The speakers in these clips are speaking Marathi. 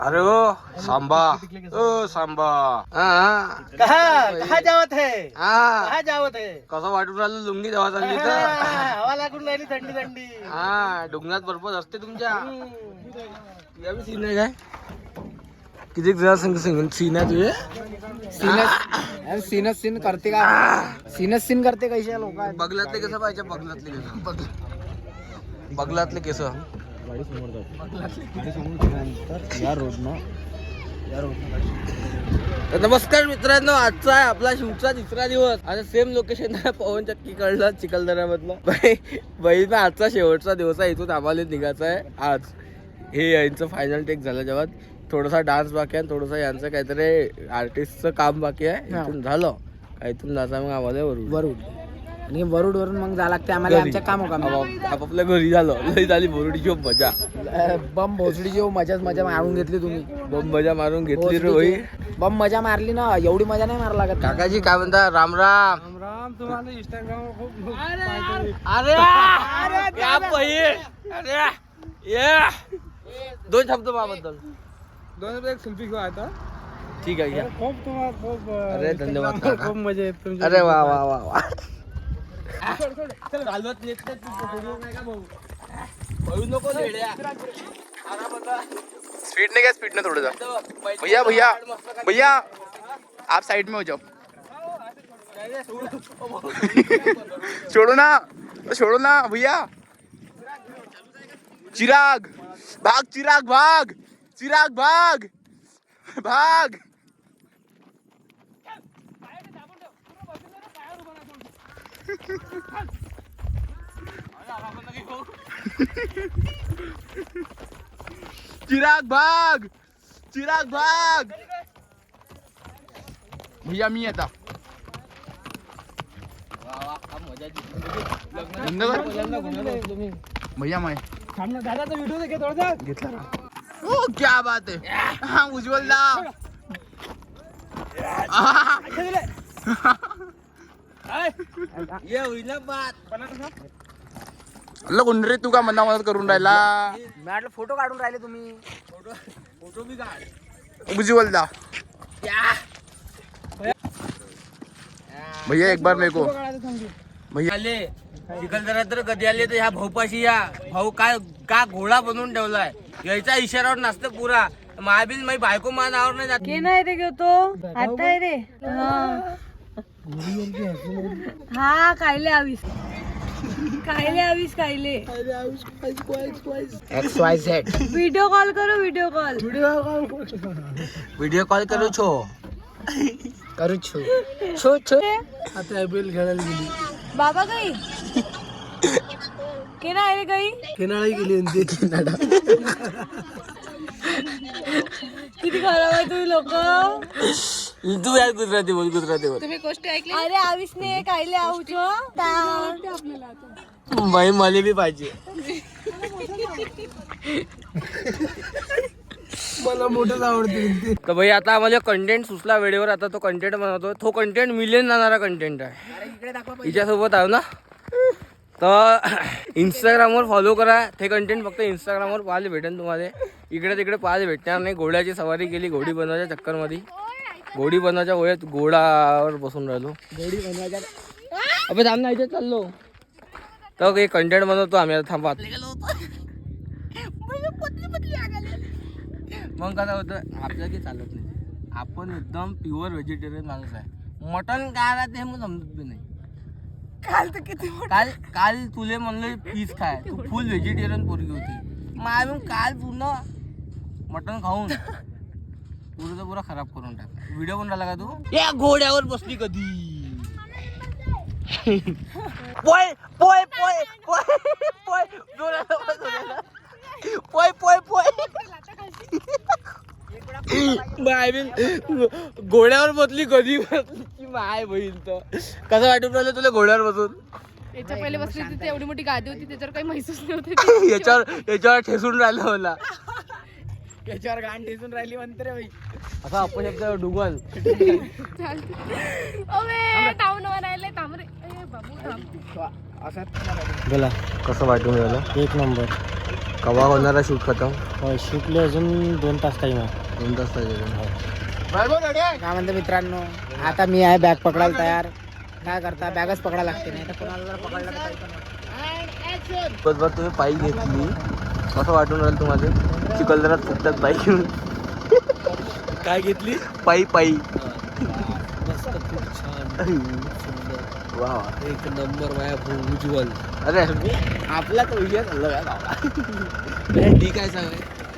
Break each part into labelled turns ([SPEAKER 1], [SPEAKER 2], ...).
[SPEAKER 1] अरे ओ सांबा, ओ सांबा,
[SPEAKER 2] कहा जावत है,
[SPEAKER 1] हा
[SPEAKER 2] कहा जावत है.
[SPEAKER 1] कसं वाटून राहिलं लुंगी देवा चालली तर
[SPEAKER 2] हवा लागून राहिली थंडी थंडी.
[SPEAKER 1] हा डोंगरात पर्पज असते तुमच्या यावी सीन आहे काय किती जरा सीन आहे तुझे
[SPEAKER 3] सीन करते का सीन करते कैसे लोक
[SPEAKER 1] बगलातले कसं पाहिजे बगलातले केस नमस्कार मित्रांनो, आजचा आहे आपला शूटचा तिसरा दिवस. आता सेम लोकेशन आहे पवन चक्की कळलं चिखलदऱ्यामधलं. बहीण आजचा शेवटचा दिवस आहे, इथून आम्हाला निघायचं आहे आज. हे यांचं फायनल टेक झालं जेव्हा थोडासा डान्स बाकी आहे, थोडंसं यांचं काहीतरी आर्टिस्टचं काम बाकी आहे. इथून झालं का इथून जायचं मग आम्हाला वरुड
[SPEAKER 3] आणि वरून मग जा लागते आम्हाला आमच्या काम
[SPEAKER 1] आपापल्या घरी झालं. लई झाली बोरुडीची मजा,
[SPEAKER 3] बम भोसडीची मजा मारून घेतली तुम्ही.
[SPEAKER 1] बम मजा मारून घेतली रे भाई.
[SPEAKER 3] बम मजा मारली ना, एवढी मजा नाही मारा लागत.
[SPEAKER 1] काकाजी काय म्हणता? राम राम.
[SPEAKER 2] तुम्हाला इंस्टाग्राम खूप
[SPEAKER 1] अरे ये दोन शब्द माझ्याबद्दल.
[SPEAKER 2] एक सेल्फी घेऊ आता.
[SPEAKER 1] ठीक आहे घ्या.
[SPEAKER 2] खूप तुम्हाला खूप
[SPEAKER 1] अरे धन्यवाद काका.
[SPEAKER 2] खूप मजा येत तुमच्या.
[SPEAKER 1] अरे वा वा वा वा.
[SPEAKER 4] स्पीड ने क्या स्पीड ने थोड़ा सा भैया भैया भैया आप साइड में हो जाओ. छोड़ो ना भैया. चिराग भाग, चिराग भाग, चिराग भाग भाग. चिराग भाग, चिराग भाग. भैया मी आता बंद कर भैया. मैं
[SPEAKER 2] दादाचा व्हिडिओ घे थोडासा.
[SPEAKER 4] घेतला. ओ क्या बात है. हाँ उज्ज्वल दा.
[SPEAKER 1] ये होईल बात.
[SPEAKER 4] अल्ला कोण रे तू का मदत करून राहिला.
[SPEAKER 3] म्हटलं फोटो काढून राहिले तुम्ही.
[SPEAKER 1] फोटो भी काढ.
[SPEAKER 4] उज्ज्वल दा. भैया एक बार मेरे को भैया
[SPEAKER 1] आले चिखलदऱ्यात तर कधी आले तर ह्या भाऊपाशी या. भाऊ काय का घोडा बनवून ठेवलाय. यायचा इशारावर नसतं पुरा. महाबील माझी बायको मा नावावर नाही जात.
[SPEAKER 5] के नाही रे घेतो आता आहे रे. हा कायले आवीस कायले
[SPEAKER 3] XYZ
[SPEAKER 5] व्हिडिओ कॉल करू व्हिडिओ
[SPEAKER 1] कॉल करू छो.
[SPEAKER 3] करू छो
[SPEAKER 2] आता आयपीएल खेळायला गेली.
[SPEAKER 5] बाबा काही के नाही रे काही
[SPEAKER 2] केनाळी गेली
[SPEAKER 5] किती खराब आहे तुम्ही लोक.
[SPEAKER 1] तू यार गुजराती बोल. गुजरातीवर
[SPEAKER 5] अरे आवीस ने कायले आऊच
[SPEAKER 1] बाई मला बी पाहिजे.
[SPEAKER 2] मला मोठंच आवडते.
[SPEAKER 1] तर भाई आता आम्हाला कंटेंट सुचला वेळेवर. आता तो कंटेंट बनवतो. तो कंटेंट मिलियन जाणारा कंटेंट आहे. हिच्यासोबत आहे ना. तर इंस्टाग्रामवर फॉलो करा. ते कंटेंट फक्त इंस्टाग्रामवर पाहायला भेटेल तुम्हाला. इकडे तिकडे पाहायला भेटणार नाही. घोड्याची सवारी केली घोडी बनवायच्या चक्करमध्ये. घोडी बनवायच्या वेळेत घोडावर बसून राहिलो.
[SPEAKER 3] घोडी बनवायच्या.
[SPEAKER 1] अबे थांब ना, इथे चाललो. तर काही कंटेंट बनवतो आम्ही. आता थांबा. मग कसं होतं आपल्याला काही चालत नाही. आपण एकदम प्युअर व्हेजिटेरियन माणूस आहे. मटन काय राहते हे मग समजत बी नाही. काल तुले म्हणलं पीस खाय. तू फुल व्हेजिटेरियन पोरगी होती. मग आम्ही काल पूर्ण मटन खाऊन पुरा खराब करून टाकला. व्हिडिओ बनवला का तू? या घोड्यावर बसली कधी. पोय पोय पोय पोय पोय पोय पोय पोय घोड्यावर बसली कधी बसली माय बहीण. तर कसं वाटून राहिलं तुला घोड्यावर बसून?
[SPEAKER 6] याच्या पहिले बसली होती एवढी मोठी गादी होती त्याच्यावर काही महसूस नव्हतं.
[SPEAKER 1] याच्यावर ठेसून राहिलं मला.
[SPEAKER 3] याच्यावर गाण ठेसून राहिली म्हणते रे बाई.
[SPEAKER 1] असा आपण एकदा डुगल
[SPEAKER 6] टाऊन राहिले थांब रे. बाबू थांब.
[SPEAKER 1] बोला कसं वाटून राहिलं?
[SPEAKER 3] एक नंबर.
[SPEAKER 1] कवा होणार आहे शूट खतम?
[SPEAKER 2] शूटले अजून 2 तास टाइम आहे.
[SPEAKER 1] 2 तास पाहिजे.
[SPEAKER 3] काय म्हणते मित्रांनो, आता मी आहे बॅग पकडायला तयार. काय करता, बॅगच पकडायला लागते, नाही तर कोणाला जर पकडलं तर काही पण नाही.
[SPEAKER 1] बरोबर तुम्ही पायी घेतली, कसं वाटून राहिलं तुम्हाला? चिखलदऱ्यात फुटतात बाईक घेऊन. काय घेतली? पायी पायी.
[SPEAKER 2] मस्त, खूप छान,
[SPEAKER 1] वा
[SPEAKER 2] एक नंबर माझ्या उज्ज्वल.
[SPEAKER 1] अरे आपला तो विषय चालला काय ठीक आहे सांग.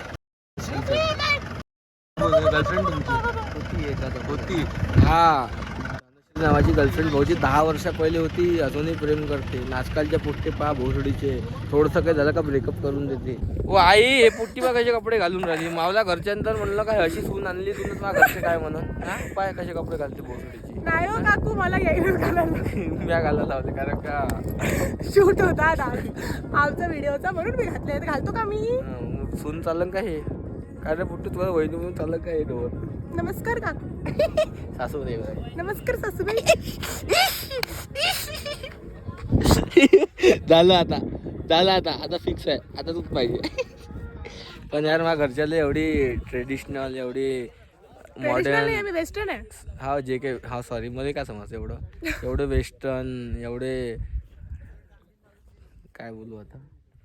[SPEAKER 1] गर्लफ्रेंड तुमची होती? हा, नावाची गर्लफ्रेंड भाऊची 10 वर्षा पहिले होती, अजूनही प्रेम करते. आजकालच्या पुट्टे पहा भोसडीचे, थोडंसं काय झालं का ब्रेकअप करून देते. ओ आई, हे पुट्टी बा कसे कपडे घालून राहिली. मावला घरच्यांतर म्हणलं काय अशी सून आणली तुला, तुला घरचे काय म्हणून? हा पाय कसे कपडे घालते भोसडीचे.
[SPEAKER 5] नाही हो काकू, मला यायला घालायला
[SPEAKER 1] म्या घालायला लावले कारण का
[SPEAKER 5] शूट होता आज आमचा व्हिडिओचा, म्हणून मी घातले. घालतो का मी?
[SPEAKER 1] सून चालन का हे? काय रे पुट्टी तुला वहिनी म्हणून चालन का हे डोर?
[SPEAKER 5] नमस्कार काकू.
[SPEAKER 1] सासू दे.
[SPEAKER 5] नमस्कार सासूबाई.
[SPEAKER 1] झालं आता फिक्स आहे, आता तूच पाहिजे. पण यार माझ्या घरच्याला एवढी ट्रेडिशनल, एवढी मॉडर्न,
[SPEAKER 5] मी वेस्टर्न आहे.
[SPEAKER 1] हा जे काही, हा सॉरी मध्ये काय समजतं एवढं वेस्टर्न, एवढे काय बोलू आता.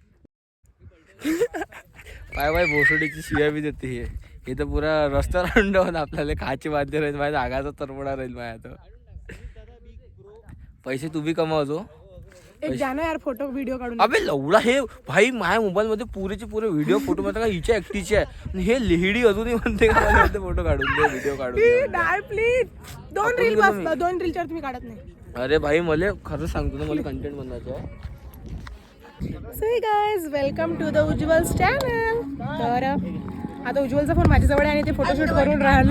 [SPEAKER 1] पाय भोसडीची शिव्या बी देते हे तर पुरा रस्ता राहून आपल्याला खायची बांधते राहील. माझ्या आगाचा तरपडा राहील माझ्या. तर पैसे तू बी कमावतो.
[SPEAKER 5] एक द्या ना यार फोटो व्हिडिओ काढून.
[SPEAKER 1] अबे लवडा, हे भाई माझ्या मोबाईल मध्ये पुरेचे पुरे व्हिडिओ फोटो मध्ये का हिच्या एकटीचे आहे. हे लेहिडी अजूनही म्हणते का मला फोटो काढून दे, व्हिडिओ काढून दे.
[SPEAKER 5] नाही प्लीज, 2 रील बस, 2 रीलच्या तुम्ही काढत नाही.
[SPEAKER 1] अरे भाई मला खरं सांगतो ना, मला कंटेंट बनवायचं आहे.
[SPEAKER 5] So hey guys, welcome to the Ujjwal's channel. तर आता उज्ज्वलचा फोन माझ्याजवळ आहे आणि ते फोटोशूट करून राहिले.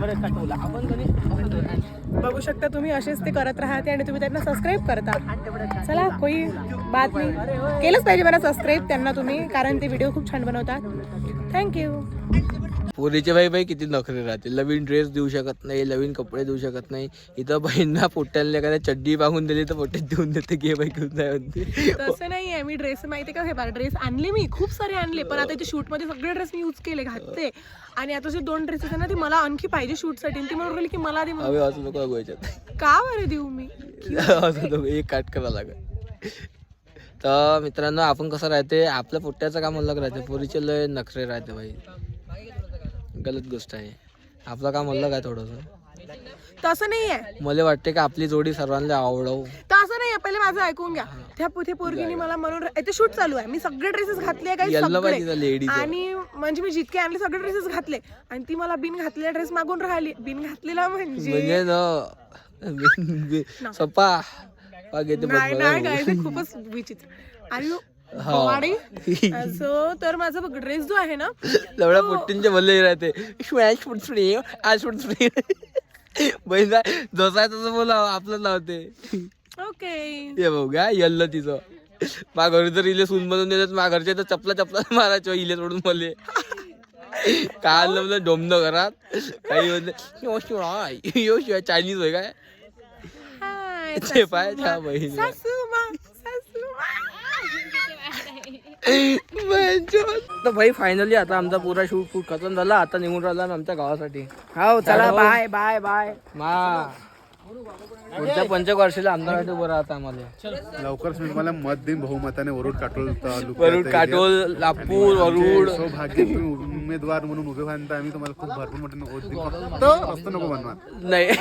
[SPEAKER 5] बघू शकता तुम्ही, असेच ते करत राहते आणि तुम्ही त्यांना सबस्क्राईब करता. चला, कोई बात नाही, केलंच पाहिजे मला सबस्क्राईब त्यांना तुम्ही, कारण ते व्हिडिओ खूप छान बनवतात. थँक्यू.
[SPEAKER 1] पोरीचे भाई किती नखरे राहते. नवीन ड्रेस देऊ शकत नाही, नवीन कपडे देऊ शकत नाही. इथं बहिणींना पोट्याला एखाद्या चड्डी मागून दिली तर पोट्यात देऊन देते, घे बाई घेऊन जाय म्हणते.
[SPEAKER 5] तसं नाही आहे, मी ड्रेस माहिती का, हे बघा ड्रेस आणले मी, खूप सारे आणले, पण आता इथे शूटमध्ये सगळे ड्रेस मी यूज केले, घातले. आणि आता जे 2 ड्रेसेस आहे ना, ते मला आणखी पाहिजे शूटसाठी. ती म्हणून राहिली की मला दे.
[SPEAKER 1] हवे असं नको गोयच्यात
[SPEAKER 5] का बरं देऊ मी?
[SPEAKER 1] असं नको, एक काट करा लागत. तर मित्रांनो, आपण कसं राहते, आपल्या पोट्याचं काम अलग राहते, पोरीचे लय नखरे राहते भाई. गलत गोष्ट आहे. आपलं काम अलग आहे थोडंसं.
[SPEAKER 5] तसं नाही आहे,
[SPEAKER 1] मला वाटते का आपली जोडी सर्वांना आवडव.
[SPEAKER 5] तसं नाही आहे. पहिले माझं ऐकून घ्या. त्या पोरगीने मला म्हणून, इथे शूट चालू आहे, मी सगळे ड्रेसेस घातले काही सगळे, आणि म्हणजे मी जितके आणले सगळे ड्रेसेस घातले, आणि ती मला बिन घातलेला ड्रेस मागून राहिली. बिन घातलेला म्हणजे
[SPEAKER 1] ना सपा
[SPEAKER 5] नाही, खूपच विचित्र. आणि सो तर माझा ड्रेस जो आहे ना,
[SPEAKER 1] लवडा पोट्टींचे भले राहते. आज बहीण जसा तसं बोला आपलं लावते.
[SPEAKER 5] ओके,
[SPEAKER 1] हे बघ का यल्ल तिचं. माझ्या घरी जर इले सून बनवून देतात, माझ्या घरच्या तर चपला मारायचं इले सोडून मले. काय म्हणलं डोमनं घरात काही म्हणलं चायनीज होय काय ते पाय त्या बहीण. तर भाई फायनली आता आमचा पुरा शूट खतम झाला. आता निघून राहिला आमच्या गावासाठी.
[SPEAKER 3] हो चला, बाय बाय बाय.
[SPEAKER 1] पुढच्या 5 वर्षाला आमदार उभं राहतं आम्हाला.
[SPEAKER 7] लवकरच मी तुम्हाला मत देईन बहुमताने. वरुड काटोल
[SPEAKER 1] काटोल, लापूर, वरुड.
[SPEAKER 7] सौभाग्य तुम्ही उमेदवार म्हणून उभे व्हाल तर आम्ही तुम्हाला खूप भरपूर मोठे वोट देऊ. फक्त रस्ता नको बनवा.
[SPEAKER 1] नाही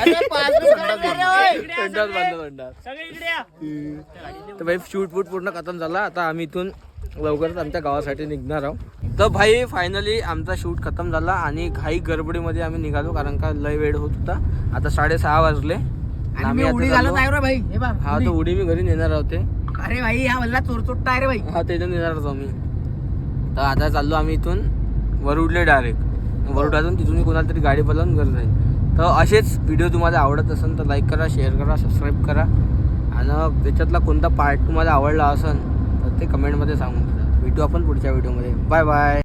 [SPEAKER 1] तर भाई शूट पूर्ण खतम झाला. आता आम्ही इथून लवकरच आमच्या गावासाठी निघणार आहोत. तर भाई फायनली आमचा शूट खतम झाला आणि घाई गडबडीमध्ये आम्ही निघालो, कारण का लय वेळ होत होता. आता 6:30 वाजले.
[SPEAKER 3] आम्ही उडी घालत आहे रे भाई. हे बघ,
[SPEAKER 1] हा तो उडी मी घरी नेणार होते.
[SPEAKER 3] अरे भाई, हा वल्ला चोरचोट्टा आहे रे भाई.
[SPEAKER 1] हा त्याच्यात नेणार होतो मी. तर आता चाललो आम्ही इथून वरुडले डायरेक्ट. वरुडातून तिथून कोणाला तरी गाडी बोलावून घर जाईल. तर असेच व्हिडिओ तुम्हाला आवडत असेल तर लाईक करा, शेअर करा, सबस्क्राईब करा. आणि त्याच्यातला कोणता पार्ट तुम्हाला आवडला असेल तर ते कमेंटमध्ये सांगून द्या. भेटू आपण पुढच्या व्हिडिओमध्ये. Bye bye.